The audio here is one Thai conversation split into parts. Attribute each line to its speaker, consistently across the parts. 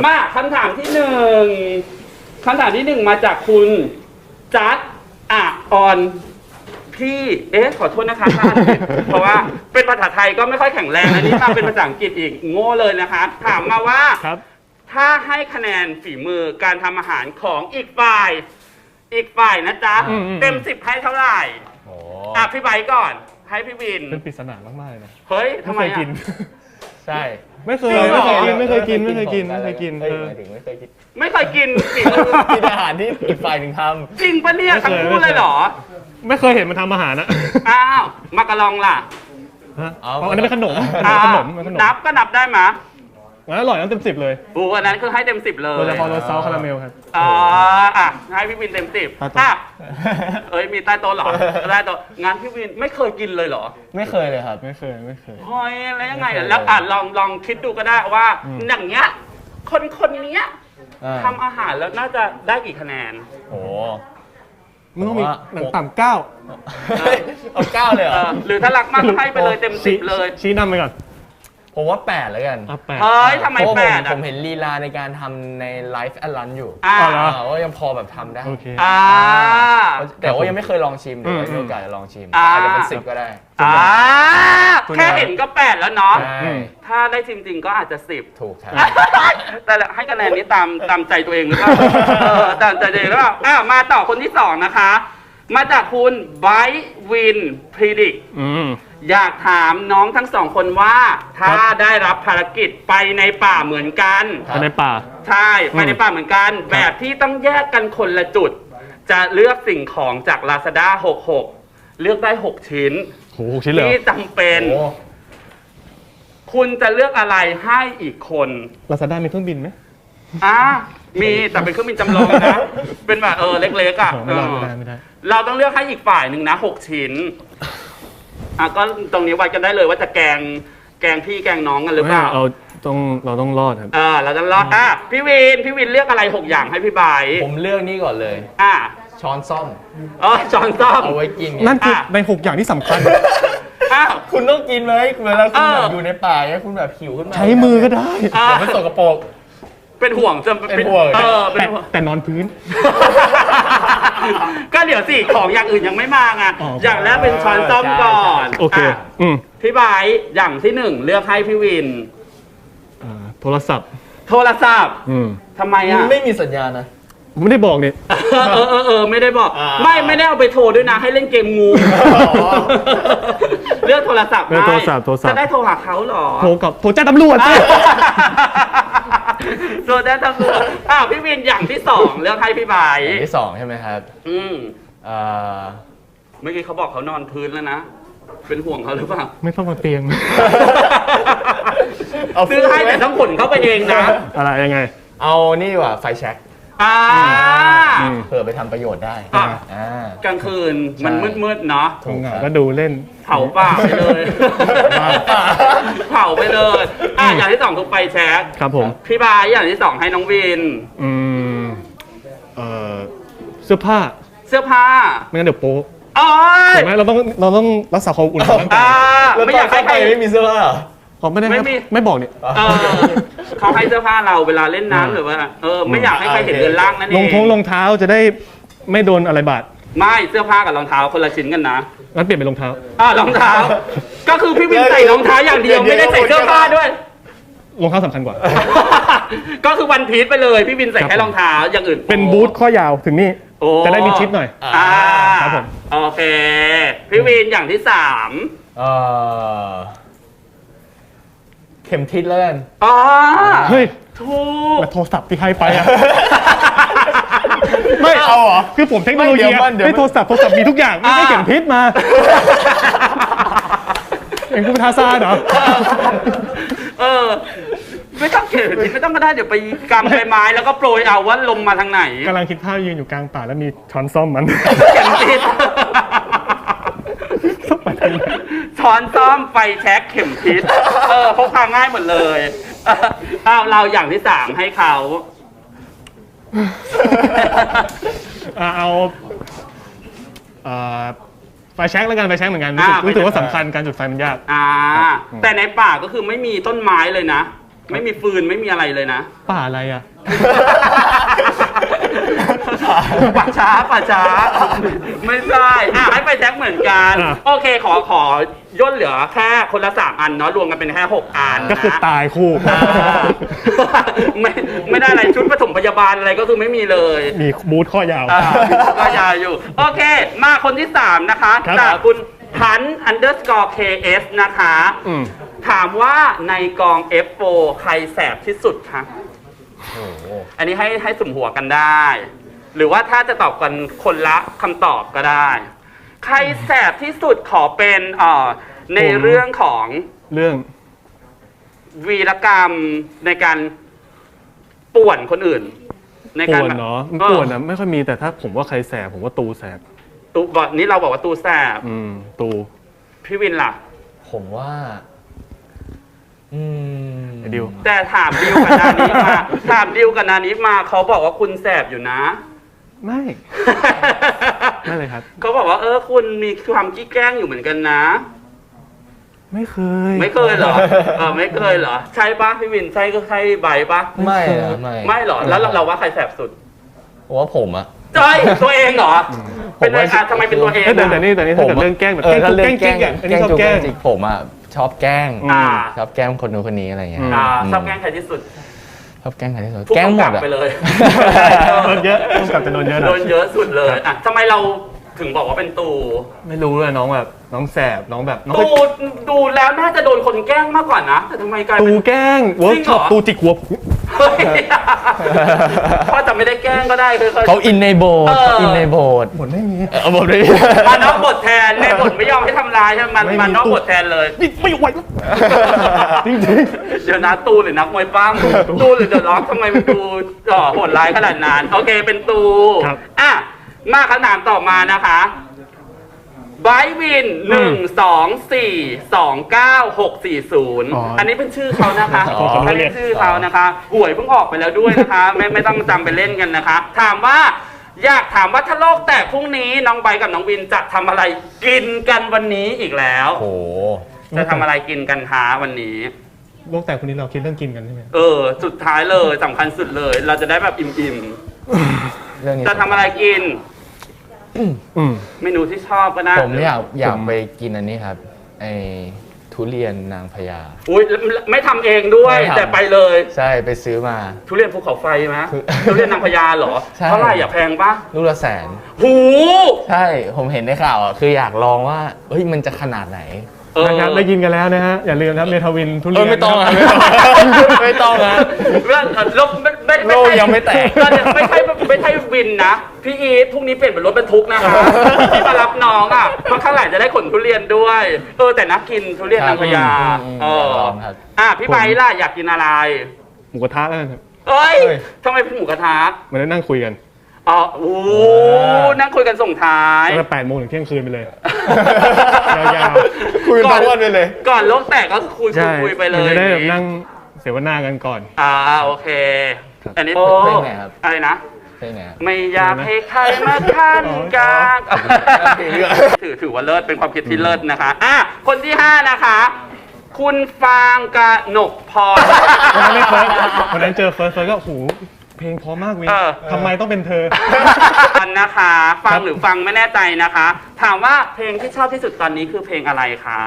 Speaker 1: มาคำถามที่หนึ่งมาจากคุณจัดออนพี่ขอโทษนะคะท่านเพราะว่าเป็นภาษาไทยก็ไม่ค่อยแข็งแรงอันนี้มาเป็นภาษาอังกฤษอีกโง่เลยนะคะถามมาว่าถ้าให้คะแนนฝีมือการทำอาหารของอีกฝ่ายนะจ๊ะเต็ม10ให้เท่าไหร่พี่ไบค์ก่อนให้พี่วิน
Speaker 2: เป็นปริศนามากๆเลยนะ
Speaker 1: เฮ้ยทำไมกิน
Speaker 3: ใช่
Speaker 2: ไม่เคยกิน
Speaker 3: กินอาหารที่อีกฝ่ายหนึ่งท
Speaker 1: ำจริงปะเนี่ยทั้งคู่เลยเหรอ
Speaker 2: ไม่เคยเห็นมันทำอาหารนะ
Speaker 1: อ้าวมากะลองล่ะ
Speaker 2: อันนี้เป็นขนม
Speaker 1: นับก็นับได้ไหม
Speaker 2: อร่อยน้ำเต็ม10เลย
Speaker 1: อันนั้นคือให้เต็ม10เลย
Speaker 2: โดยเฉพาะรสซอสคาราเมลครับ
Speaker 1: ให้พี่วินเต็ม10มีใต้โต๊ะหรอใต้โต๊ะงานพี่วินไม่เคยกินเลยเหรอ
Speaker 3: ไม่เคยเลยครับ
Speaker 2: ไม่เคย
Speaker 1: เฮ้ยแล้วยังไงแล้วลองคิดดูก็ได้ว่าอย่างเงี้ยคนนี้ทำอาหารแล้วน่าจะได้กี่คะแนน
Speaker 3: โอ้
Speaker 2: มึงต้องมีหนังต่ำ9
Speaker 3: เอา9เลยเหรอ
Speaker 1: หรือถ้ารักมากให้ไปเลยเต็ม10เลย
Speaker 2: ชี้นำไปก่อน
Speaker 3: ผมว่า8แล้วกัน
Speaker 1: เฮ้ยทำไม8
Speaker 3: ผมเห็นลีลาในการทำในไลฟ์แอดลันอยู่ว่ายังพอแบบทำได้แต่ว่ายังไม่เคยลองชิมเดี๋ยวมีโอกาสจะลองชิมอาจจะเป็น10ก็ได้
Speaker 1: แค่เห็นก็8แล้วเนาะถ้าได้จริงๆก็อาจจะ10
Speaker 3: ถูกครับ
Speaker 1: แต่ให้คะแนนนี้ตามใจตัวเองหรือเปล่าตามใจตัวเองหรือเปล่ามาต่อคนที่2นะคะมาจากคุณไบท์วินพรีดิกอยากถามน้องทั้ง2คนว่าถ้าได้รับภารกิจไปในป่าเหมือนกัน
Speaker 2: ไปในป่า
Speaker 1: ใช่ไปในป่าเหมือนกันแบบที่ต้องแยกกันคนละจุดจะเลือกสิ่งของจาก Lazada 66เลือกได้6ชิ้นที่จำเป็นคุณจะเลือกอะไรให้อีกคน
Speaker 2: Lazada มีเครื่องบินไหม
Speaker 1: มีแต่เป็นเครื่องบินจำลองนะเป็นแบบเล็กๆ
Speaker 2: ไม่ได้
Speaker 1: เราต้องเลือกให้อีกฝ่ายหนึ่งนะ6ชิ้นก็ตรงนี้วัดกันได้เลยว่าจะแกงพี่แกงน้องกันหรือเปล่า
Speaker 2: เราต้องรอดครับ
Speaker 1: เราต้องรอดพี่วินเลือกอะไร6อย่างให้พี่ใบ
Speaker 3: ผมเลือกนี่ก่อนเลยช้อนซ่อม
Speaker 1: ช้อนซ่อม
Speaker 3: เอาไว้กิน
Speaker 2: นั่นคือใน6อย่างที่สำคัญ
Speaker 3: คุณต้องกินไหมเวลาคุณแบบอยู่ในป่าเนี่ยคุณแบบหิวขึ้นมา
Speaker 2: ใช้มือก็ได้
Speaker 3: แต่ไม่สกปรก
Speaker 1: เป็นห่วงจะ
Speaker 3: เป็นห่วง
Speaker 2: แต่นอนพื้น
Speaker 1: ก็เดี๋ยวสิของอย่างอื่นยังไม่มาไงอย่างแรกเป็นช้อนซ่อมก่อน
Speaker 2: โอเค
Speaker 1: พี่ไบค์อย่างที่1เลือกให้พี่วิน
Speaker 2: โทรศัพท์
Speaker 1: ทำไม
Speaker 3: ไม่มีสัญญาณนะ
Speaker 2: ไม่ได้บอกเนี่ย
Speaker 1: ไม่ได้บอกไม่ได้เอาไปโทรด้วยนะให้เล่นเกมงูเลือกโทรศัพท์จะได้โทรหาเขาหรอ
Speaker 2: โทรแจ้งตำรวจ
Speaker 1: โทรแจ้งตำรวจพี่วินอย่างที่2เลือกให้พี่ใบ
Speaker 3: อย่างที่2ใช่ไหมครับ
Speaker 1: เมื่อกี้เขาบอกเขานอนพื้นแล้วนะเป็นห่วงเขาหรือเปล่า
Speaker 2: ไม่ต้องมาเตียง
Speaker 1: ซื้อให้แต่ต้องขนเข้าไปเองนะ
Speaker 2: อะไรยังไง
Speaker 3: เอานี่ว่ะไฟแช็กเผื่อไปทำประโยชน์ได้
Speaker 1: กลางคืนมันมืดๆเนาะ
Speaker 2: ก็ดูเล่น
Speaker 1: เผาป่าไปเลยอย่างที่2คือไฟแช็ก
Speaker 2: ครับผม
Speaker 1: พี่บายอย่างที่2ให้น้องวิน
Speaker 2: เสื้อผ้าไม่งั้นเดี๋ยวโป๊ใช่ไหมเราต้องรักษาความอุ่นของร่างกาย
Speaker 3: ไม่อยากให้ใครไม่มีเสื้อผ้า
Speaker 2: เขาไม่บอกเนี่ย
Speaker 1: เขาให้เสื้อผ้าเราเวลาเล่นน้ำหรือว่าไม่อยากให้ใครเห็นเรือนร่างนั่นเอง
Speaker 2: รองเท้าจะได้ไม่โดนอะไรบาด
Speaker 1: ไม่เสื้อผ้ากับรองเท้าคนละชิ้นกันนะ
Speaker 2: งั้นเปลี่ยนเป็นรองเท้
Speaker 1: ารองเท้าก็คือพี่วินใส่รองเท้าอย่างเดียวไม่ได้ใส่เสื้อผ้าด้วย
Speaker 2: รองเท้าสำคัญกว่า
Speaker 1: ก็คือวันพีชไปเลยพี่วินใส่แค่รองเท้าอย่างอื่น
Speaker 2: เป็นบูทข้อยาวถึงนี่จะได้มีชิปหน่อย
Speaker 1: ครับผมโอเคพี่วินอย่างที่3
Speaker 3: เข็มทิศแล้วกัน
Speaker 2: เฮ้ย
Speaker 1: ถูก
Speaker 2: โทรศัพท์ที่ให้ไปไม่เอาเหรอคือผมเทคโนโลยีให้โทรศัพท์มีทุกอย่างไม่เข็มทิศมาเอ็งกูเป็นทาซานเหรอ
Speaker 1: ไม่ต้องเข็มทิศไม่ต้องก็ได้เดี๋ยวไปกำใบไม้แล้วก็โปรยเอาว่าลมมาทางไหน
Speaker 2: กำลังคิดภาพยืนอยู่กลางป่าแล้วมีช้อนซ่อมมัน
Speaker 1: เข็มทิศช้อนซ่อมไฟแช็กเข็มทิศพกพาง่ายหมดเลยเราอย่างที่3ให้เขา
Speaker 2: เอาไฟแช็กแล้วกันไฟแช็กเหมือนกันรู้สึกว่าสำคัญการจุดไฟมันยาก
Speaker 1: แต่ในป่าก็คือไม่มีต้นไม้เลยนะไม่มีฟืนไม่มีอะไรเลยนะ
Speaker 2: ป่าอะไรอ่ะ
Speaker 1: ป่าช้าไม่ใช่ให้ไปแจ็คเหมือนกัน
Speaker 2: อ่ะ
Speaker 1: โอเคขอย่นเหลือแค่คนละ3อันเนาะรวมกันเป็นแค่6อัน
Speaker 2: ก็คือตายคู่
Speaker 1: อ่าไม่ได้อะไรชุดปฐมพยาบาลอะไรก็คือไม่มีเลย
Speaker 2: มีบูธข้อยาว
Speaker 1: ก็ยาวอยู่ โอเค มาคนที่ 3 นะคะ
Speaker 2: ครับ
Speaker 1: จากคุณพัน underscore ks นะคะ
Speaker 2: อืม
Speaker 1: ถามว่าในกอง F4 ใครแสบที่สุดคะ
Speaker 3: โอ้โห
Speaker 1: อันนี้ให้สุ่มหัวกันได้ หรือว่าถ้าจะตอบกันคนละคำตอบก็ได้ ใครแสบที่สุดขอเป็นในเรื่องของ
Speaker 2: เรื่อง
Speaker 1: วีรกรรมในการป่วนคนอื่น ในการ
Speaker 2: ป่วน
Speaker 1: แบบ
Speaker 2: เนาะป่วนนะไม่ค่อยมีแต่ถ้าผมว่าใครแสบผมว่าตูแสบ
Speaker 1: ตูบอกนี้เราบอกว่าตูแสบ
Speaker 2: ตู
Speaker 1: พี่วินล่ะ
Speaker 3: ผมว่า
Speaker 2: ไอ้ดิว
Speaker 1: แต่ถามดิวกับนานิมาถามดิวกับนานิมาเขาบอกว่าคุณแสบอยู่นะ
Speaker 2: ไม่ ไม่เลยครับ
Speaker 1: เขาบอกว่าคุณมีความขี้แกล้งอยู่เหมือนกันนะ
Speaker 2: ไม่เคย
Speaker 1: ไม่เคยเหรอไม่เคยเหรอใช่ปะพี่วินใช่ก็ใช่ใบปะ
Speaker 3: ไม่นะไม่
Speaker 1: ไม่เหรอแล้วเราว่าใครแสบสุด
Speaker 3: ผมว่าผมอะ
Speaker 1: จอยตัวเองเหรอเป็นอะไรทำไมเป็นตัวเอง
Speaker 2: แต่นี่ถ้าเกิดเรื่องแกล้งแบบแกล้ง
Speaker 3: ถ้า
Speaker 2: จุก
Speaker 3: เรื่
Speaker 2: แกล้งจริงอ่ะอันนี้ชอบแกล้ง
Speaker 3: จริงผมอะชอบแกล้ง
Speaker 1: อ่า
Speaker 3: ชอบแกล้งคนนู้นคนนี้อะไรเงี้ย
Speaker 1: ชอบแกล้งใครที่สุด
Speaker 3: ชอบแกล้งใครที่สุด
Speaker 1: ผู้
Speaker 3: แกล้งหม
Speaker 1: กำกั
Speaker 3: ด
Speaker 1: บ
Speaker 3: อะ
Speaker 1: ไปเลย
Speaker 2: โดนเยอะต้องกลับจะโดนเยอะหน่
Speaker 1: โด
Speaker 2: อย
Speaker 1: นเยอะสุดเลยทำไมเราถึงบอกว่าเป็นตู
Speaker 2: ไม่รู้เลยน้องแบบน้องแสบน้องแบบน้อง
Speaker 1: ตูดูแล้วน่าจะโดนคนแกล้งมากกว่านะแต่ทำไมกลาย
Speaker 2: ตู
Speaker 1: เป็น
Speaker 2: แกล้งเวิร์กช็อป
Speaker 1: จริงเหรอ
Speaker 2: ตูจิกหัวผม
Speaker 1: เฮ้ยพ่อจะไม่ได้แกล้งก็ได้คือ
Speaker 3: เขาอินในโบสถ์เขาอินในโบสถ์
Speaker 2: หมดไม่มี
Speaker 3: บทนี้
Speaker 1: มานอกบทแทนในบทไม่ยอมให้ทำลายใช่ไหมมันนอกบทแทนเลย
Speaker 2: นี่ไม่ไหวแล้วจริง
Speaker 1: เดี๋ยวนะตูหรือนักมวยปั้มตูหรือเดอะล็อกทำไมมันดูโหดร้ายขนาดนั้นโอเคเป็นตูอ่ะมาคำถามต่อมานะคะไบวิน1242960อันนี้เป็นชื่อเขานะคะอันนี้ชื่อเขานะคะหวยเพิ่งออกไปแล้วด้วยนะคะไม่ต้องจำไปเล่นกันนะคะถามว่าอยากถามว่าถ้าโลกแตกพรุ่งนี้น้องไบกับน้องวินจะทำอะไรกินกันวันนี้อีกแล้ว
Speaker 3: โอ้โห
Speaker 1: จะทำอะไรกินกันคะวันนี้
Speaker 2: โลกแตกคนนี้เราคิดเรื่องกินกันใช่ไหม
Speaker 1: สุดท้ายเลยสำคัญสุดเลย เราจะได้แบบอิ่ม
Speaker 3: เรื่องนี้
Speaker 1: ๆจะทำอะไรกิน
Speaker 2: อืม
Speaker 1: เมนูที่ชอบก็ได้
Speaker 3: ผมอยากไปกินอันนี้ครับไอ้ทุเรียนนางพญา
Speaker 1: อุ้ยไม่ทำเองด้วย
Speaker 3: ไม่ทำ
Speaker 1: แต่ไปเลย
Speaker 3: ใช่ไปซื้อมา
Speaker 1: ทุเรียนภูเขาไฟไหม
Speaker 3: คือ
Speaker 1: ทุเรียนนางพญาเหรอ
Speaker 3: ใช่
Speaker 1: เท่าไหร่อย่าแพงปะ
Speaker 3: ลูกละแสน
Speaker 1: หู
Speaker 3: ใช่ผมเห็นในข่าวอ่ะคืออยากลองว่าเฮ้ยมันจะขนาดไหน
Speaker 2: นะครับได้ยินกันแล้วนะฮะอย่าลืมนะครับเมทาวินทุเรียน
Speaker 3: ไม่ต้องอ่ะไม่ต้องอ่ะ โลกยังไม่แตก
Speaker 1: ไม่ใช่วินนะพี่อีทพรุ่งนี้เปลี่ยนเป็นรถบรรทุกนะคะที่มารับน้องอ่ะเพราะข้างหลังจะได้ขนทุเรียนด้วยแต่นักกินทุเรียนนางพญา
Speaker 3: ลองครับ
Speaker 1: พี่ไบร์ทล่ะอยากกินอะไร
Speaker 2: หมูกระทะแล้วกันครับ
Speaker 1: เอ้ย
Speaker 3: เฮ้ย
Speaker 1: ทำไมเป็นหมูกระทะ
Speaker 2: มันได้นั่งคุยกัน
Speaker 1: นั่งคุยกันส่งท้าย
Speaker 2: ตั้งแต่8 โมงถึงเที่ยงคืนไปเลย ยาว
Speaker 3: คุยทั้งวันไปเลย
Speaker 1: ก่อนโลกแตกก็คุย
Speaker 2: ๆใช่
Speaker 1: คุยไปเล
Speaker 2: มัน
Speaker 1: ย
Speaker 2: จะได้แบบนั่งเสวนากันก่อน
Speaker 1: โอเค อันนี้
Speaker 3: เพลงไหนครับ
Speaker 1: อะไรนะ
Speaker 3: ใช่ไหมครับ
Speaker 1: ไม่อยากให้ใครมาขั้นกลาง
Speaker 3: เพลงเรื่อง
Speaker 1: ถือว่าเลิศเป็นความคิดที่เลิศนะคะคนที่ 5 นะคะ คุณฟางกนกพร
Speaker 2: วันนั้นไม่เฟิร์สวันนั้นเจอเฟิร์สก็โอ้โหเพลงเพราะมากวินทำไมต้องเป็นเธอ
Speaker 1: อันนะคะ ฟังหรือฟังไม่แน่ใจนะคะ ถามว่าเพลงที่ชอบที่สุดตอนนี้คือเพลงอะไรคะ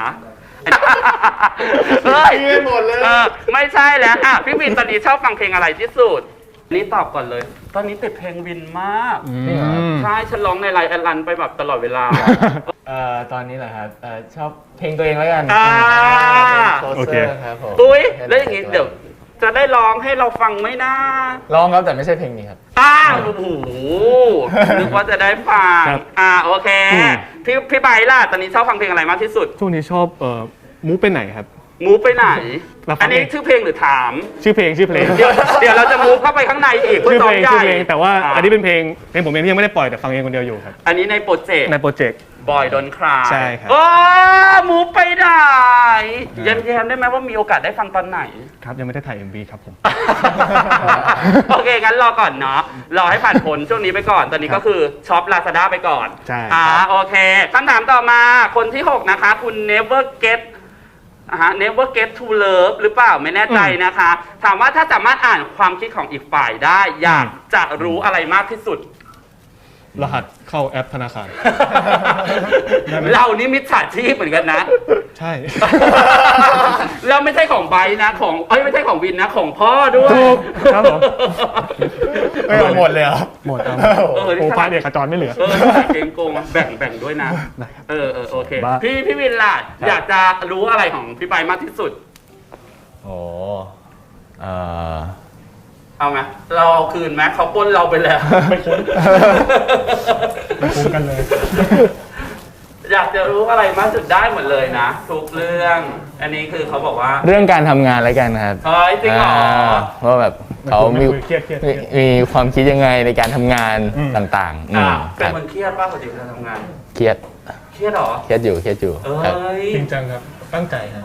Speaker 1: เฮ้ย
Speaker 3: ไม่หมดเลย
Speaker 1: ไม่ใช่แล้วพี่วินตอนนี้ชอบฟังเพลงอะไรที่สุดนี่ตอบก่อนเลย ตอนนี้ติดเพลงวินมากใช่ฉันร้องในไลน์แอดลันไปแบบตลอดเวลา
Speaker 3: ตอนนี้แหละครับชอบเพลงตัวเองแล้วกัน
Speaker 2: โอเค
Speaker 3: ครับผม
Speaker 1: อุ้ยแล้วอย่างงี้เดี๋ยวจะได้ร้องให้เราฟังไหมนะ
Speaker 3: ร้องครับแต่ไม่ใช่เพลงนี้ครับ
Speaker 1: โอ้โหนึกว่าจะได้ฟัง
Speaker 2: ครับ
Speaker 1: โอเคพี่ไบร์ทล่ะตอนนี้ชอบฟังเพลงอะไรมากที่สุด
Speaker 2: ช่วงนี้ชอบมูฟไปไหนครับ
Speaker 1: มูฟไปไหน
Speaker 2: เราฟัง
Speaker 1: อันนี้ชื่อเพลงหรือถาม
Speaker 2: ชื่อเพลง
Speaker 1: เดี๋ยวเราจะมูฟเข้าไปข้างในอีกเพื่
Speaker 2: ชื่
Speaker 1: อ
Speaker 2: อ
Speaker 1: ซ้อ
Speaker 2: เพ
Speaker 1: ม
Speaker 2: ลง
Speaker 1: ใหญ่
Speaker 2: ชื่อเพลงแต่ว่าอันนี้เป็นเพลงผมเองที่ยังไม่ได้ปล่อยแต่ฟังเองคนเดียวอยู่ครับ
Speaker 1: อันนี้ในโปรเจกต์
Speaker 2: ในโปรเจกต์
Speaker 1: บอยดนคลา
Speaker 2: ใช่ครับ
Speaker 1: มูฟไปไหนแย้มๆได้ไหมว่ามีโอกาสได้ฟังตอนไหน
Speaker 2: ครับยังไม่ได้ถ่าย MV ครับผม
Speaker 1: โอเค งั้นรอก่อนเนาะ รอให้ผ่านผลช่วงนี้ไปก่อน ตอนนี้ก็คือช็อป Lazada ไปก่อน
Speaker 2: ใช่
Speaker 1: โอเคคำถามต่อมา คนที่ 6 นะคะ คุณ Never Get never get to love หรือเปล่าไม่แน่ใจนะคะ ถามว่าถ้าสามารถอ่านความคิดของอีกฝ่ายได้ อยากจะรู้อะไรมากที่สุด
Speaker 2: รหัสเข้าแอปธนาคาร ได้ไหม
Speaker 1: เรานี่มิจฉาชีพเหมือนกันนะ
Speaker 2: ใช่
Speaker 1: เราไม่ใช่ของไบร์ทนะของไม่ใช่ของวินนะของพ่อด้วย
Speaker 2: ถูกครับผม
Speaker 3: ไม่เอาหมดเลยเหรอ
Speaker 2: หมดครับ
Speaker 1: เออ
Speaker 2: โอ้ฟ้าเด็กขจรไม่เหลือ
Speaker 1: เก่งโกงแบ่งด้วยนะ
Speaker 2: ได้ครับ
Speaker 1: โอเค
Speaker 2: บ้า
Speaker 1: พี่วินล่ะอยากจะรู้อะไรของพี่ไบร์ทมากที่สุด
Speaker 3: โอ้เออ
Speaker 1: เอาไหมเราเอาคืนไหมเขาปล้นเราไปแล้ว
Speaker 2: ไม่คุ้นไม่คุ้นกันเลย
Speaker 1: อยากจะรู้อะไรมากสุดได้หมดเลยนะ ทุกเรื่อง อันนี้คือเขาบอกว่า
Speaker 3: เรื่องการทำงานแล้วกันครับ
Speaker 1: เฮ้ยจริงเหรอ
Speaker 3: ว่าแบบเขามี
Speaker 2: เครียด
Speaker 3: มีความคิดยังไงในการทำงาน
Speaker 2: อืม
Speaker 3: ต่างๆ
Speaker 1: เป็น
Speaker 3: ครับ
Speaker 1: คนเครียดป่ะปกติเวลาทำงาน
Speaker 3: เครียด
Speaker 1: เครียดเหรอ
Speaker 3: เครียดอยู่ครับ
Speaker 1: เอ้ย
Speaker 2: จริงจังครับ ตั้งใจครับ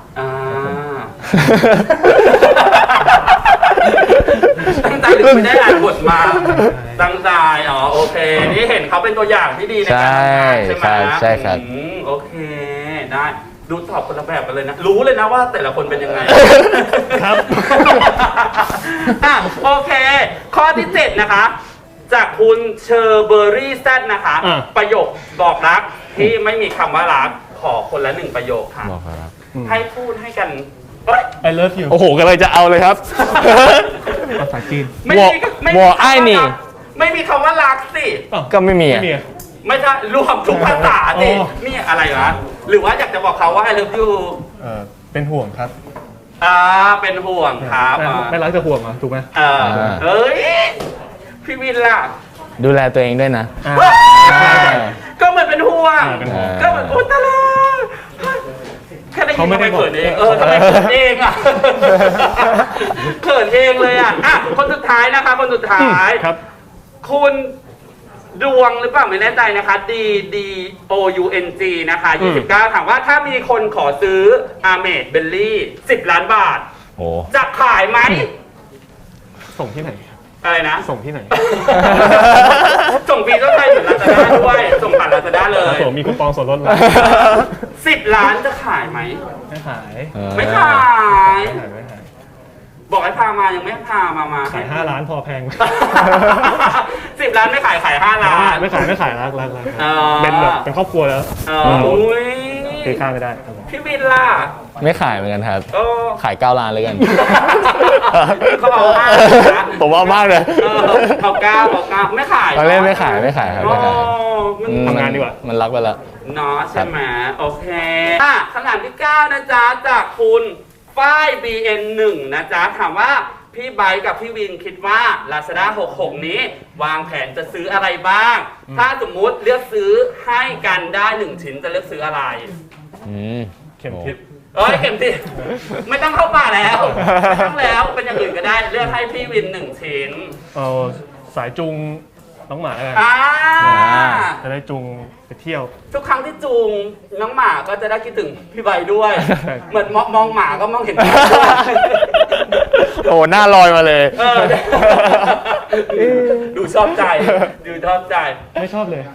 Speaker 1: ตั้งใจหรือไม่ได้อ่านบทมา ตั้งใจโอเค นี่เห็นเขาเป็นตัวอย่างที่ดีในการทำงานใช่ไหม
Speaker 3: ใช่ครับ
Speaker 1: โอเค ได้ ดูตอบคนละแบบกันเลยนะ รู้เลยนะว่าแต่ละคนเป็นยังไง
Speaker 2: ครับ
Speaker 1: โอเค ข้อที่ 7 นะคะ จากคุณเชอร์เบอรี่แซดนะคะ ประโยคบอกรักที่ไม่มีคำว่ารัก ขอคนละ 1 ประโยคค่ะ
Speaker 3: บอกครับ
Speaker 1: ให้พูดให้กันเอ้ย
Speaker 2: I love you
Speaker 3: โอ้โหกำลังจะเอาเลยครับ
Speaker 2: ภาษาจีน
Speaker 1: ไม่มีไม่มี
Speaker 3: วอ
Speaker 1: คำ
Speaker 3: ไอ้
Speaker 1: ว่า
Speaker 3: นี่
Speaker 1: รักไม่มีคำว่ารักสิ
Speaker 3: ก็ไม่มี
Speaker 2: ไม่
Speaker 3: อะ
Speaker 2: มีอะ
Speaker 1: ไม่ใช่รวมทุกภาษาสิ
Speaker 2: อ๋อ
Speaker 1: นี่อะไรวะหรือว่าอยากจะบอกเขาว่า I love you
Speaker 2: เป็นห่วงครับ
Speaker 1: เป็นห่วงครับ
Speaker 2: ไม่รักจะห่วงอ่ะถูกไหม
Speaker 1: เอ้ย พี่วินล่ะ
Speaker 3: ดูแลตัวเองด้วยนะ
Speaker 1: ก็เหมือนเป็นห่วง
Speaker 2: เป็นห่วง
Speaker 1: ก็เหมือนโอ๊ยตายแล้วแค่ได้ยิน
Speaker 2: เขาไม่
Speaker 1: ทำไม
Speaker 2: ได้บอก
Speaker 1: เขินเองทำไมเขินเองอ่ะ เขินเองเลยอ่ะคนสุดท้ายนะคะ คนสุดท้าย
Speaker 2: ครับ
Speaker 1: คุณดวงหรือเปล่าไม่แน่ใจนะคะ D D O U N G นะคะ29ถามว่าถ้ามีคนขอซื้ออาเมดเบลลี่10 ล้านบาท
Speaker 3: โอ้
Speaker 1: จะขายไหม
Speaker 2: ส่งที่ไหน
Speaker 1: อะไรนะ
Speaker 2: ส่งที่ไหน
Speaker 1: ส่งฟรีก็ใช่เหมือนลาซาด้าด้วย ส่งผ่านลาซาด้าเลย
Speaker 2: ส่งมีคูปองส่วนลดแล้ว
Speaker 1: 10 ล้านจะขายไหม
Speaker 2: ไม่ขาย
Speaker 1: ไม่ขาย
Speaker 2: ไม่ขาย
Speaker 1: บอกให้พามายังไม่พามา
Speaker 2: ขาย5 ล้านพอแพง
Speaker 1: 10 ล้านไม่ขายขาย5 ล้าน
Speaker 2: ไม่ขายรัก
Speaker 1: อ๋อ
Speaker 2: เป็นแบบเป็นครอบครัวแล้ว
Speaker 1: อุ้ย
Speaker 2: ตีค่าไม่ได้ครับผม
Speaker 1: พี่วินล่ะ
Speaker 3: ไม่ขายเหมือนกันครับ
Speaker 1: โอ้
Speaker 3: ขาย9 ล้านเลยกัน
Speaker 1: เขาเอาห้านะ
Speaker 3: ผมเอามากเลย
Speaker 1: เอาเก้าไม่ขาย
Speaker 3: เราเล่นไม่ขายครับไม่ขาย
Speaker 1: โอ้มัน
Speaker 2: ทำงานดีกว่า
Speaker 3: มันรักไปแล้ว
Speaker 1: เนาะใช่ไหมโอเคคำถามที่ 9 นะจ๊ะ จากคุณฝ้าย BN1 นะจ๊ะ ถามว่าพี่ไบค์กับพี่วินคิดว่า Lazada 66 นี้ วางแผนจะซื้ออะไรบ้าง ถ้าสมมุติเลือกซื้อให้กันได้1 ชิ้นจะเลือกซื้ออะไร
Speaker 2: เข็มทิศ
Speaker 1: เข็มทิศไม่ต้องเข้าป่าแล้วไม่ต้องแล้วเป็นอย่างอื่นก็ได้เลือกให้พี่วิน1 ชิ้น
Speaker 2: เอาสายจูงน้องหมาแล้วกัน จะได้จูงไปเที่ยว
Speaker 1: ทุกครั้งที่จูงน้องหมาก็จะได้คิดถึงพี่ใบด้วย เหมือนมองหมาก็มองเห็นพี่ด้วย
Speaker 3: โอ้หน้าลอยมาเลย
Speaker 1: ดูชอบใจดูชอบใจ
Speaker 2: ไม่ชอบเลย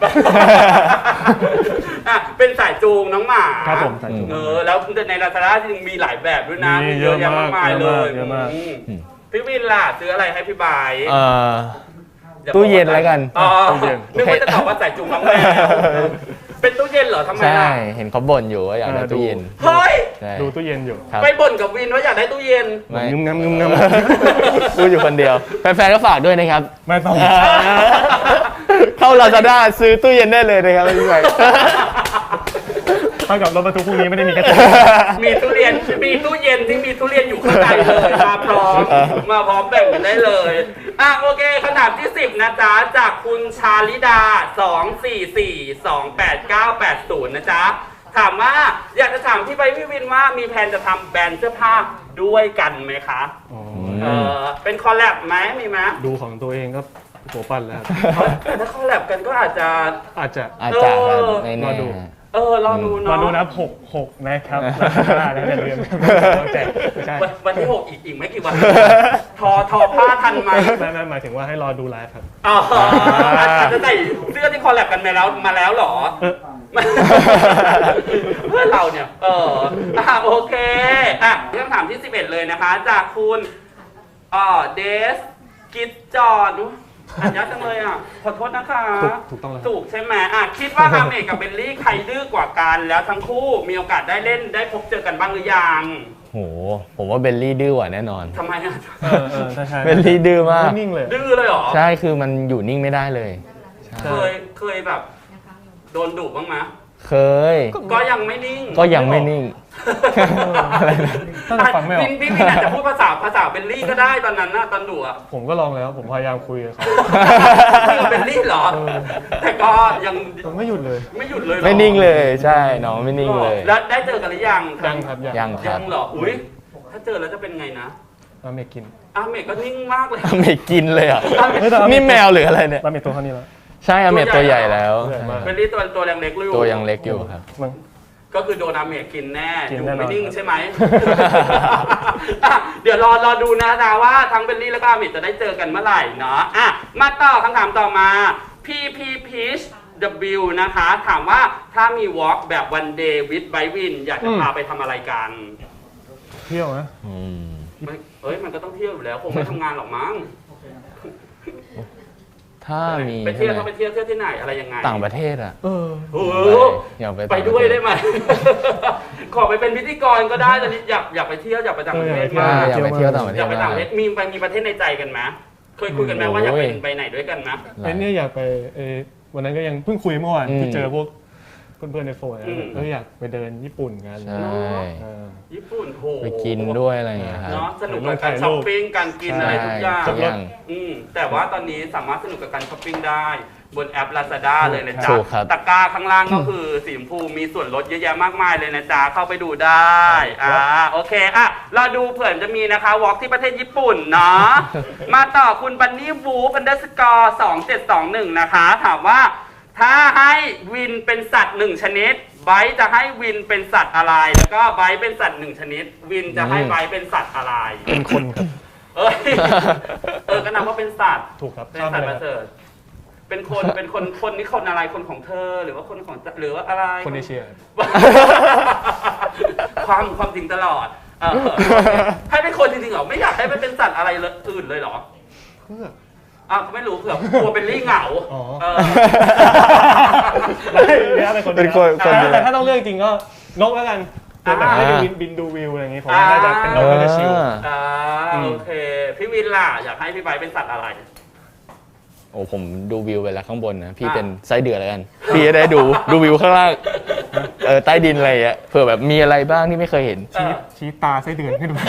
Speaker 1: เป็นสายจูงน้องหมา
Speaker 2: ครับผมสายจูง
Speaker 1: แล้วในลาซาด้าจริงมีหลายแบบด้วยนะ
Speaker 2: มี
Speaker 1: เยอะแยะมากมายเลย
Speaker 2: เยอะมาก
Speaker 1: พี่วินล่ะซื้ออะไรให้พี่ใบ
Speaker 3: ตู้เย็นแล้วกัน
Speaker 2: ตู้เย็น
Speaker 1: นึกว่าจะตอบว่าสายจูงน้องแมวเป็นตู้เย็นเหรอทำไม
Speaker 3: ใช่
Speaker 1: ล่ะ
Speaker 3: เห็นเขาบ่นอยู่ว่าอยากได้ตู้เย็น
Speaker 1: เฮ้ย
Speaker 3: ใช่
Speaker 2: ดูตู้เย็นอยู่
Speaker 3: ครับ
Speaker 1: ไปบ่นกับวินว่าอยากได้ตู้เย็น
Speaker 3: ไม่
Speaker 2: งึมงำ
Speaker 3: พูดอยู่คนเดียว แฟนๆก็ฝากด้วยนะครับ
Speaker 2: ไม่ต้อง
Speaker 3: เข้า Lazada ซื้อตู้เย็นได้เลยนะครับพี่ใหม่
Speaker 2: เท่ากับรถบรรทุกพวกนี้ไม่ได้มีกระจก
Speaker 1: มีตู้เย็นที่มีทุเรียนอยู่ข้างในเลยมาพร้อมแบ่งกันได้เลยโอเคคำถามที่ 10 นะจ๊ะ จากคุณชาลิดา 244288980 นะจ๊ะ ถามว่าอยากจะถามพี่ใบพี่วินว่ามีแผนจะทำแบรนด์เสื้อผ้าด้วยกันไหมคะ เป็นคอลแลบไหมมีไหม
Speaker 2: ดูของตัวเองก็หัวปั้นแล้ว
Speaker 1: แต่ถ้าคอลแลบกันก็อาจจะ
Speaker 2: อาจจะ
Speaker 3: อาจจะครับไม่
Speaker 2: ร
Speaker 3: แน่
Speaker 2: อดู
Speaker 1: รอดูเนาะ
Speaker 2: มาดูนะ6นะครับแล้วอย่าลืมแจกไม่ใช่
Speaker 1: วันที่ 6 อีกไม่กี่วัน ทอผ้าทันไหม
Speaker 2: ไม่หมายถึงว่าให้รอดูไลฟ์ครับ
Speaker 1: อ๋ออาจจะใส่เสื้อที่คอลแลบกันมาแล้วเหรอ เพื่อนเราเนี่ยโอเคคำถามที่ 11 เลยนะคะ จากคุณเดสกิจจอดอันยากจังเลยขอโทษนะคะ
Speaker 2: ถูกต้องแล้ว
Speaker 1: ถูกใช่ไหมคิดว่าอาเมกกับเบลลี่ใครดื้อกว่ากันแล้วทั้งคู่มีโอกาสได้เล่นได้พบเจอกันบ้างหรือยัง
Speaker 3: โหผมว่าเบลลี่ดื้อกว่าแน่นอน
Speaker 1: ทำไม
Speaker 2: ใช่
Speaker 3: เบลลี่ดื้อมาก
Speaker 2: นิ่งเลย
Speaker 1: ดื้อเลยเหรอ
Speaker 3: ใช่คือมันอยู่นิ่งไม่ได้เลยใช่
Speaker 1: เคยแบบโดนดุบ้างไหม
Speaker 3: เคย
Speaker 1: ก็ยังไม่นิ่ง
Speaker 3: ก็ยังไม่นิ่ง อะไรนะ
Speaker 2: ตั้งแต่ฟังไม่ออก
Speaker 1: พี่อาจจะพูดภาษาเบลลี่ก็ได้ตอนนั้นนะตอนดุอ่ะ
Speaker 2: ผมก็ลองแล้วผมพยายามคุยกับเขา
Speaker 1: พี่กับเบลลี่เหรอ แต่ก็ยัง
Speaker 2: ผมไม่หยุดเลย
Speaker 1: ไม่หยุดเลยหรอ
Speaker 3: ไม่นิ่งเลยใช่น้องไม่นิ่งเลย
Speaker 1: แล้วได้เจอกันหรือยัง
Speaker 2: ยังครับ
Speaker 3: ยังค
Speaker 1: ยั
Speaker 3: รับ
Speaker 1: งเหรออุ้ยถ้าเจอแล้วจะเป็นไงนะ
Speaker 2: มาเมกิน
Speaker 1: อาเมกก็นิ่งมากเลย
Speaker 3: ไม่กินเลยอ่ะ
Speaker 2: เฮ้ยแต่
Speaker 3: นี่แมวหรืออะไรเนี่ย
Speaker 2: มาเมตัวเท่านี้แล้ว
Speaker 3: ใช่อเมดตัวใหญ่แล้ว
Speaker 2: ตัวใหญ่มาก
Speaker 1: เบลลี่ตัวยังเล็กอยู่
Speaker 3: ตัวยังเล็กอยู่ครับ
Speaker 2: มึง
Speaker 1: ก็คือโดนอาเมกกินแน่
Speaker 2: กิ
Speaker 1: อน ยู่
Speaker 2: แน่นอน
Speaker 1: ไม่นิ่งใช่ไหม เดี๋ยวรอดูนะว่าทั้งเบลลี่แล้วก็อาเมกจะได้เจอกันเมื่อไหร่เนาะมาต่อคำถามต่อมา PP Peach W นะคะ ถามว่าถ้ามี walk แบบ one day with Bike Win อยากจะพาไปทำอะไรกัน
Speaker 2: เที่ยวนะ
Speaker 3: อืม
Speaker 1: มันก็ต้องเที่ยวอยู่แล้ว คงไม่ทำงานหรอกมั้ง
Speaker 3: ถ้ามี
Speaker 1: ไปเที่ยวเขาไปเที่ยวที่ไหนอะไรยังไง
Speaker 3: ต่างประเทศอ่ะ
Speaker 2: เออ
Speaker 1: โอ้
Speaker 3: อยากไป
Speaker 1: ไปด้วยได้ไหม ขอไปเป็นพิธีกรก็ได้ตอนนี้อยากไปเที่ยวอยากไปต่างประเทศมาก
Speaker 3: อยากไปเที่ยวต่างประเท
Speaker 1: อยา
Speaker 3: ศ
Speaker 1: กไปต่างประเทศมีประเทศในใจกันไหมเคยคุยกันไหมว่าอยากไปไหนด้วยกันไหม
Speaker 2: ไอ้เนี่ยอยากไปวันนั้นก็ยังเพิ่งคุยเมื่อวานที่เจอพวกเพื่อนๆในโฟนก็อยากไปเดินญี่ปุ่นกัน
Speaker 3: ใช่
Speaker 1: ญี่ปุ่นโห
Speaker 3: ไปกินด้วยอะไรอย่างเงี้ยครับ
Speaker 1: เนาะสนุกกับการช้อปปิ้งการกินอะไรทุกอย่าง
Speaker 3: ทุกอย่าง
Speaker 1: แต่ว่าตอนนี้สามารถสนุกกับการช้อปปิ้งได้บนแอป Lazada เลยนะจ๊ะ
Speaker 3: ถูกครับ
Speaker 1: ตะกร้าข้างล่างก็คือสีชมพูมีส่วนลดเยอะแยะมากมายเลยนะจ๊ะเข้าไปดูได้โอเคเราดูเผื่อจะมีนะคะวอล์กที่ประเทศญี่ปุ่นเนาะ มาต่อคุณบันนี่วูฟ_2721นะคะถามว่าถ้าให้วินเป็นสัตว์1ชนิดไบร์ทจะให้วินเป็นสัตว์อะไรแล้วก็ไบร์ทเป็นสัตว์1ชนิดวินจะให้ไบร์ทเป็นสัตว์อะไร
Speaker 2: เป็นคนครับ
Speaker 1: ก็นับว่าเป็นสัตว์
Speaker 2: ถูกครับ
Speaker 1: เป็นสัตว์ประเสริฐเป็นคนนี่คนอะไรคนของเธอหรือว่าคนของหรือว่าอะไร
Speaker 2: คนเอเชีย
Speaker 1: ความจริงตลอดให้เป็นคนจริงๆเหรอไม่อยากให้มันเป็นสัตว์อะไรอื่นเลยเหรอ
Speaker 2: เพื่อ
Speaker 1: ไม่รู้เผื่อกลัวเป็นลี่เหงา
Speaker 2: อ๋อ
Speaker 3: เป็นคน
Speaker 2: แต่ถ้าต้องเลือกจริงก็นกแล้วกันแบบให้บินดูวิวอะไรอย่างงี้ผมน่าจะเป็นนกน่าจะชิล
Speaker 1: โอเคพี่วินล่ะอยากให้พี่ไบร์ทเป็นสัตว์อะไร
Speaker 3: โอ้ผมดูวิวไปแล้วข้างบนนะพี่เป็นไส้เดือนแล้วกันพี่จะได้ดูวิวข้างล่างใต้ดินอะไรอ่ะเผื่อแบบมีอะไรบ้างที่ไม่เคยเห็น
Speaker 2: ชี้ตาไส้เดือนขึ้นมา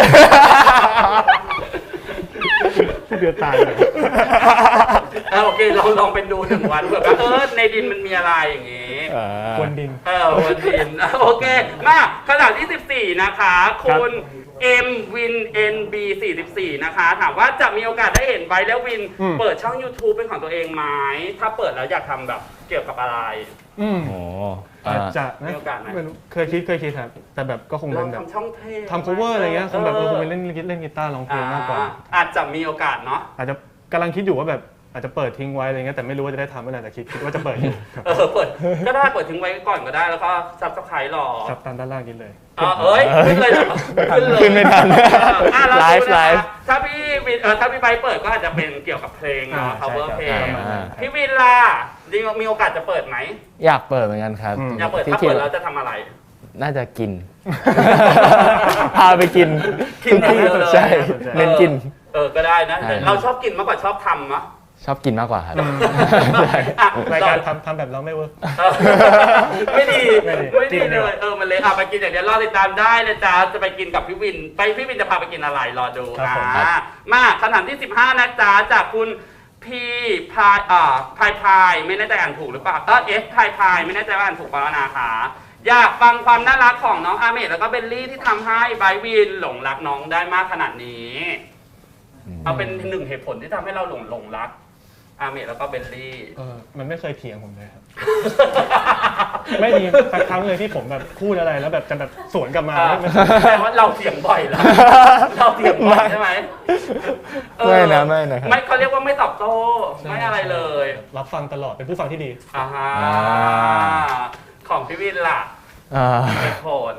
Speaker 2: ไส้เดือนตายเลย
Speaker 1: โอเคเราลองเป็นดู1 วันเผื่อว่าในดินมันมีอะไรอย่างงี้
Speaker 2: บนดิน
Speaker 1: บนดินโอเคมาคำถามที่ 14นะคะคุณM Win NB 44นะคะถามว่าจะมีโอกาสได้เห็นไบร์ทและวินเปิดช่อง YouTube เป็นของตัวเองไหมถ้าเปิดแล้วอยากทำแบบเกี่ยวกับอะไร
Speaker 3: โอ้
Speaker 2: อาจจะนะ
Speaker 1: มีโอกาสไหม
Speaker 2: ไม่รู้เคยคิดครับแต่แบบก็คง
Speaker 1: เรา
Speaker 2: เป็นแบบ
Speaker 1: ทำช่องเทพ
Speaker 2: ทำ cover อะไรเงี้ยคงแบบคงเป็นเล่นกีตาร์ร้องเพลงมากกว่า
Speaker 1: อาจจะมีโอกาสเนาะ
Speaker 2: อาจจะกำลังคิดอยู่ว่าแบบอาจจะเปิดทิ้งไว้อะไรเงี้ยแต่ไม่รู้ว่าจะได้ทำเมื่อไหร่แต่คิดว่าจะเปิดอยู่ครับ
Speaker 1: เปิดก็ได้เปิดทิ้งไว้ก่อนก็ได้แล้วก็ซับสไครต์รอ
Speaker 2: ครับตามด้านล่างกินเลย
Speaker 1: ขึ้นเลยเหรอเลย
Speaker 3: ขึ้นไม่ทันไลฟ์
Speaker 1: ถ้าพี่วินถ้าพี่ไบร์ทเปิดก็อาจจะเป็นเกี่ยวกับเพลงเนาะ cover เพลง พี่วินล่ะมีโอกาสจะเปิดไหม
Speaker 3: อยากเปิดเหมือนกันครับ
Speaker 1: อยากเปิดถ้าเปิดแล้วจะทำอะไร
Speaker 3: น่าจะกิน พาไปกิน
Speaker 1: กินอย่างเดียวเลย
Speaker 3: ใช่เน้นกิน
Speaker 1: ก็ได้นะ
Speaker 3: ใช่
Speaker 1: เราชอบกินมากกว่าชอบทำมะ
Speaker 3: ชอบกินมากกว่าครับ
Speaker 2: รายการทำแบบเราไม่เวิร์ก
Speaker 1: ไม่ดี
Speaker 2: ไม่ดี
Speaker 1: เลยมันเลยไปกินอย่างเดียวรอติดตามได้นะจ๊ะจะไปกินกับพี่วินพี่วินจะพาไปกินอะไรรอดูมาคำถามที่15นะจ๊ะจากคุณพี่พายไม่แน่ใจอ่านถูกหรือเปล่าพายไม่แน่ใจว่าอ่านถูกเปล่านะคะอยากฟังความน่ารักของน้องอาเมดแล้วก็เบลลี่ที่ทำให้ไบร์ทวินหลงรักน้องได้มากขนาดนี้เอาเป็น1เหตุผลที่ทำให้เราหลงรักอาเมดแล้วก็เบลลี่
Speaker 2: มันไม่เคยเถียงผมเลยครับไม่มีสักครั้งเลยที่ผมแบบพูดอะไรแล้วแบบจะแบบสวนกลับมาไม่
Speaker 1: แต่ว่าเราเถียงบ่อยแล้วเราเถียงบ่อยใช่ไหม
Speaker 3: ไม่นะครับ
Speaker 1: ไม่เขาเรียกว่าไม่ตอบโต้ไม่อะไรเลย
Speaker 2: รับฟังตลอดเป็นผู้ฟังที่ดี
Speaker 1: อ่าฮะของพี่วินล่ะเหตุผล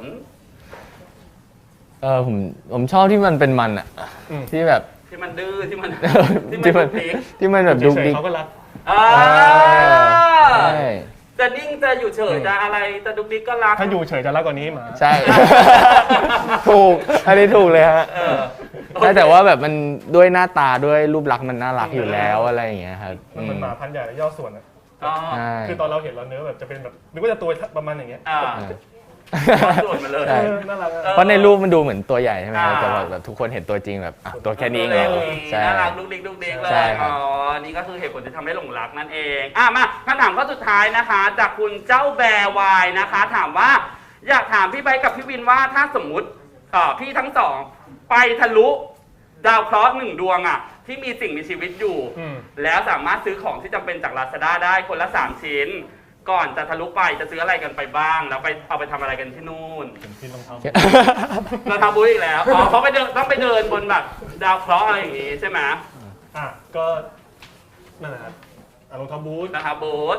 Speaker 3: ผมชอบที่มันเป็นมันอะ
Speaker 2: อืม
Speaker 3: ที่แบบ
Speaker 1: ที่มันดื้อที่มัน
Speaker 3: ที่มัน
Speaker 1: ดุกดิก
Speaker 3: ที่มันแบบดุก
Speaker 2: เฉย
Speaker 3: ดิก
Speaker 2: ๆเขาก็รัก
Speaker 1: อ่า
Speaker 3: ใช่
Speaker 1: จะนิ่งจะอยู่เฉยจะอะไรจะดุกดิกก็รัก
Speaker 2: ถ้าอยู่เฉยจะรักกว่านี้หมา
Speaker 3: ใช่ ถูกอันนี้ถูกเลยฮะ
Speaker 1: เออ
Speaker 3: แต่ว่าแบบมันด้วยหน้าตาด้วยรูปลักษณ์มันน่ารักอยู่แล้วอะไรอย่างเงี้ยครับ
Speaker 2: มันเป็นหมาพันธุ์ใหญ่และย่อส่วนอะ
Speaker 1: อ๋อ
Speaker 3: ใช่
Speaker 2: คือตอนเราเห็นเราเนื้อแบบจะเป็นแบบนึกว่าจะตัวประมาณอย่างเงี้ย
Speaker 1: อ่าส่วนมาเลย
Speaker 3: ใช่
Speaker 2: น่ารักอะ
Speaker 3: เพราะในรูปมันดูเหมือนตัวใหญ่ใช่ไหมครับ
Speaker 1: อ่า
Speaker 3: แต่ว่าแบบทุกคนเห็นตัวจริงแบบตัวแค่นี้เองแล้วใช่
Speaker 1: น่ารักดุกดิกดุกดิกเล
Speaker 3: ใช่
Speaker 1: ย
Speaker 3: ครับ
Speaker 1: อ๋อนี่ก็คือเหตุผลที่ทำให้หลงรักนั่นเองมาคำถามข้อสุดท้ายนะคะ จากคุณเจ้าแบร์วายนะคะ ถามว่าอยากถามพี่ไบค์กับพี่วินว่าถ้าสมมุติพี่ทั้งสองไปทะลุดาวเคราะห์1 ดวงอ่ะที่มีสิ่งมีชีวิตอยู่ แล้วสามารถซื้อของที่จำเป็นจาก Lazada ได้คนละ3 ชิ้น ก่อนจะทะลุไปจะซื้ออะไรกันไปบ้าง แล้วไปเอาไปทำอะไรกันที่นู่น
Speaker 2: เห็นที่รองเท้า
Speaker 1: เราทำบุญอีกแล้วเขาไปเดินต้องไปเดินบนแบบดาวเคราะห์อะไรอย่างงี้ใช่ไหม
Speaker 2: ก็นั่นแหละครับรองเท้าบูท
Speaker 1: นะครับบูธ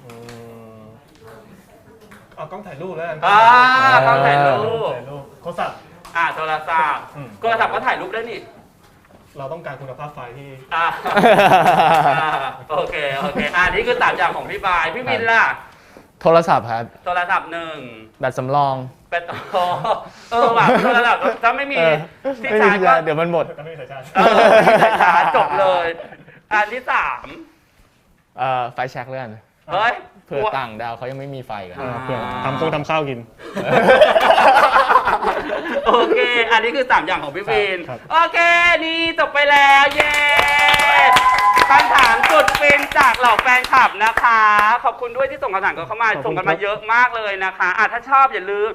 Speaker 2: เอากล้องถ่ายรูปแล้วกัน
Speaker 1: ต้องถ่ายรูป
Speaker 2: ถ่ายรูปโทรศัพท์
Speaker 1: โทรศัพท์โทรศัพท์ก็ถ่ายรูปได้นี่
Speaker 2: เราต้องการคุณภาพไฟที่
Speaker 1: โอเคนี่คือ3 อย่างของพี่บายพี่มินล่ะ
Speaker 3: โทรศัพท์ครับ
Speaker 1: โทรศัพท์1
Speaker 3: แบตสำรอง
Speaker 1: เป็นแบบโทรศัพท์ถ้าไม่มีที่
Speaker 3: ไม่
Speaker 1: ชา
Speaker 3: มี
Speaker 1: ร์จ
Speaker 3: ยา
Speaker 1: ก็
Speaker 3: เดี๋ยวมันหมด
Speaker 2: ไม่มีสายชาร์จ
Speaker 1: ที่ชาร์จจบเลยอันที่
Speaker 3: ไฟแช็กเลื่อน
Speaker 1: 3เฮ้ย
Speaker 3: เผื่อต่างดาวเขายังไม่มีไฟกัน
Speaker 2: เพื่อทำข้าวกิน
Speaker 1: โอเค อันนี้คือ 3 อย่างของพี่วิน
Speaker 2: ครับ
Speaker 1: โอเค นี่จบไปแล้ว เย้คำถามสุดฟินจากเหล่าแฟนคลับนะคะ ขอบคุณด้วยที่ส่งคำถามกันเข้ามา ส่งกันมาเยอะมากเลยนะคะถ้าชอบอย่าลืม